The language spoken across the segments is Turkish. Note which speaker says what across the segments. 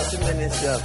Speaker 1: Yasin ve Neslihan.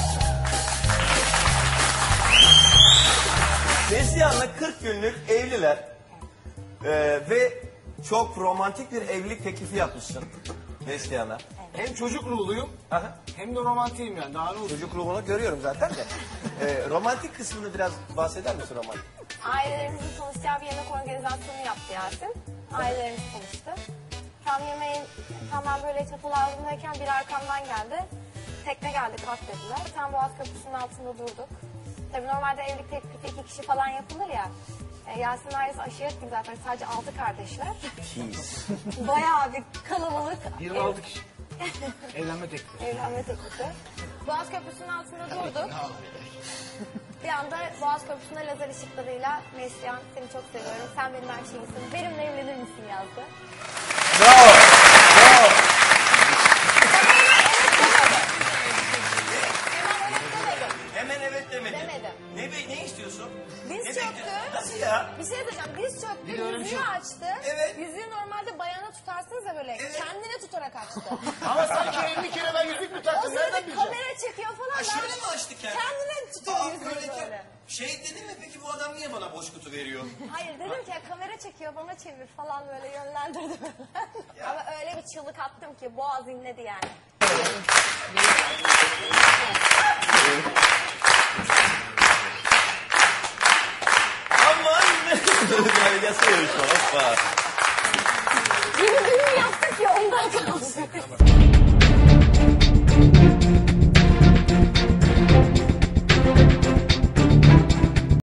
Speaker 1: Neslihan'la 40 günlük evliler. Ve çok romantik bir evlilik teklifi yapmışsın Neslihan'a.
Speaker 2: Hem çocuk ruhluyum
Speaker 1: Aha.
Speaker 2: hem de romantiyim yani. Daha ne olsun?
Speaker 1: Çocuk ruhunu görüyorum zaten de. Romantik kısmını biraz bahseder misin romantik?
Speaker 3: Ailelerimizin tanışacağı bir yemek organizasyonu yaptı Yasin. Ailelerimiz tanıştı. Tam ben böyle çatal ağzındayken biri arkamdan geldi. Tekne geldi kalk dediler. Tam Boğaz Köprüsü'nün altında durduk. Tabii normalde evlilik teklifi 2 kişi falan yapılır ya. Yasin'in ailesi aşiret gibi zaten sadece 6 kardeşler.
Speaker 1: Cheese.
Speaker 3: Bayağı bir kalabalık.
Speaker 2: 26 kişi. Evlenme teklifi.
Speaker 3: Evlenme teklifi. Boğaz Köprüsü'nün altında durduk. Bir anda Boğaz Köprüsü'nde lazer ışıklarıyla Neslihan seni çok seviyorum, sen benim her şeyimsin, benimle evlenir misin yazdı.
Speaker 1: Bravo. Bravo. Hemen evet demedim.
Speaker 3: Demedim.
Speaker 1: Ne istiyorsun?
Speaker 3: Diz
Speaker 1: Ne
Speaker 3: çöktü.
Speaker 1: bekliyorsun? Nasıl ya?
Speaker 3: Bir şey diyeceğim, diz çöktü,
Speaker 2: Bir de öyle bir
Speaker 3: yüzüğü
Speaker 2: şey-
Speaker 3: açtı.
Speaker 1: Evet.
Speaker 3: Yüzüğü normalde bayana tutarsınız ya böyle,
Speaker 1: Evet.
Speaker 3: kendine tutarak açtı.
Speaker 2: Ama sanki 50 kere ben yüzük mü
Speaker 3: O
Speaker 2: taktım?
Speaker 3: sırada
Speaker 2: Nereden bileceğim?
Speaker 3: kamera çekiyor falan.
Speaker 1: Şöyle
Speaker 3: ben-
Speaker 1: mi açtı kendini?
Speaker 3: Kendine tutuyor yüzüğü böyle.
Speaker 1: Şey dedin mi peki bu adam niye bana boş kutu veriyor?
Speaker 3: Hayır dedim ki ya, kamera çekiyor bana çevir falan böyle yönlendirdim. Ama öyle bir çığlık attım ki boğaz inledi yani.
Speaker 1: Aman ne? Yasıyormuş hoppa.
Speaker 3: Yeni düğün yaptık ya ondan kaldı.